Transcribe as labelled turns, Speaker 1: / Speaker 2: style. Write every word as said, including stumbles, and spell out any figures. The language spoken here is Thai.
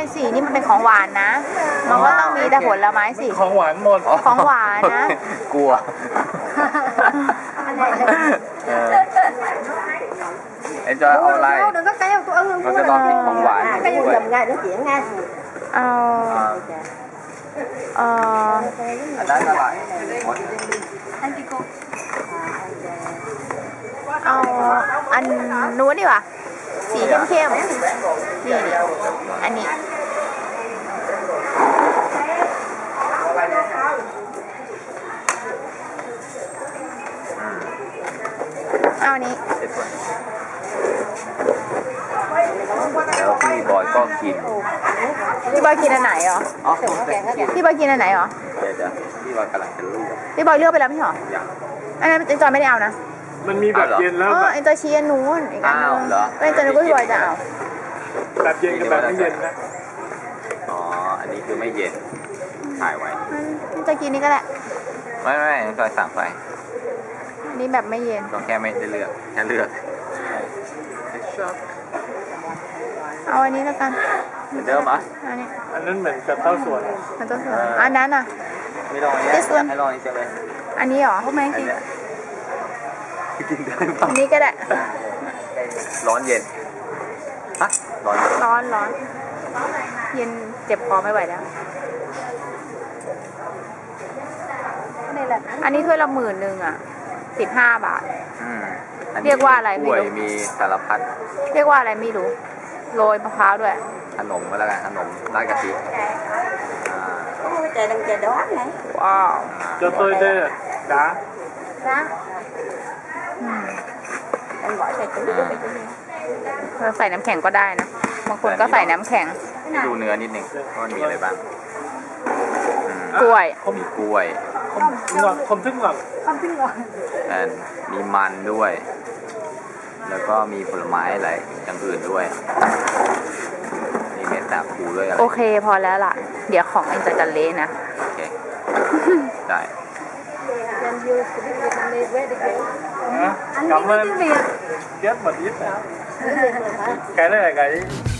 Speaker 1: สินี่มันเป็นของหวานนะมันก็ต้องมีแต่ผลไม้สิ
Speaker 2: ของหวานหมด
Speaker 1: ของหวานนะ
Speaker 3: กลัวเอ็นจอยเอาอะไรเราจะลองกินของหวานด้วย
Speaker 1: เอาเอ่อ
Speaker 3: อันนั้นอะไร
Speaker 1: เอาอันนู้นดีกว่าสีเข้มๆนี่อันนี้เอาอันนี้
Speaker 3: แล้วพี่บอยก็กิน
Speaker 1: พี่บอยกินอันไหนเหรอ
Speaker 3: อ๋อ
Speaker 1: พี่บอยกินอันไหนเหรอ
Speaker 3: เดี๋ยวเดี๋ยวพี่บอยกำลังจะเลือก
Speaker 1: พี่บอยเลือกไปแล้วไม่เหรออันนั้นเอ็นจอยไม่ได้เอานะ
Speaker 2: มันมีแบบเย็นแล้ว
Speaker 1: เอ็นจอยชี้อันนู้นอีกอันนึงเอ็นจอยนึกว่าพี่บอยจะเอา
Speaker 2: แบบเย็นกับแบบไม่เย็นนะ
Speaker 3: อ๋ออันนี้คือไม่เย็นถ่ายไว้
Speaker 1: เอ็นจอยกินนี่ก็แหละ
Speaker 3: ไม่ไม่เอ็นจอยสั่งไป
Speaker 1: อันนี้แบบไม่เย็น
Speaker 3: ก็แค่ไม่ได้เลือกแค่เลือก
Speaker 1: เอาอันนี้แล้วกัน
Speaker 3: เหมือนเดิมอ่ะ
Speaker 1: อันนี้
Speaker 2: อันนั้นเหมือนกับเต้าส่วน
Speaker 1: มันต้าส่วนอันนั้นอ่ะ
Speaker 3: ไม่ลองอันนี้ให้ลองนี้จะเลย
Speaker 1: อันนี้เหรอเขาไม่กิน
Speaker 3: กินได้
Speaker 1: อันนี้ก็ได้
Speaker 3: ร้อนเย็นฮะร้อน
Speaker 1: ร้อนร้อนเย็นเจ็บคอไม่ไหวแล้วอันนี้ถ้วยละหมื่นหนึ่งอ่ะสิบห้าบาทเรียกว่าอะไรไม่รู้
Speaker 3: มีสารพัด
Speaker 1: เรียกว่าอะไรไม่รู้โรยมะพร้าวด้วย
Speaker 3: ขนมก็แล้วกันขนมราดกะทิ
Speaker 1: ว้าว
Speaker 2: cho tôi đây đá
Speaker 1: đáใส่น้ำแข็งก็ได้นะบางคนก็ใส่น้ำแข็ง
Speaker 3: ดูเนื้อนิดนึงว่ามีอะไรบ้าง
Speaker 1: กล้วย
Speaker 3: มีกล้วย
Speaker 2: คมทึ่งหลัง
Speaker 1: คมทึ่งหลัง
Speaker 3: มีมันด้วยแล้วก็มีผลไม้อะไรอย่างอื่นด้วยมีเม็ดสาคูด้วยอะไร
Speaker 1: โอเคพอแล้วล่ะเดี๋ยวของเอ็นจะจะเละนะ
Speaker 3: โอเคได้
Speaker 2: cảm ơn rất một ít cái này là cái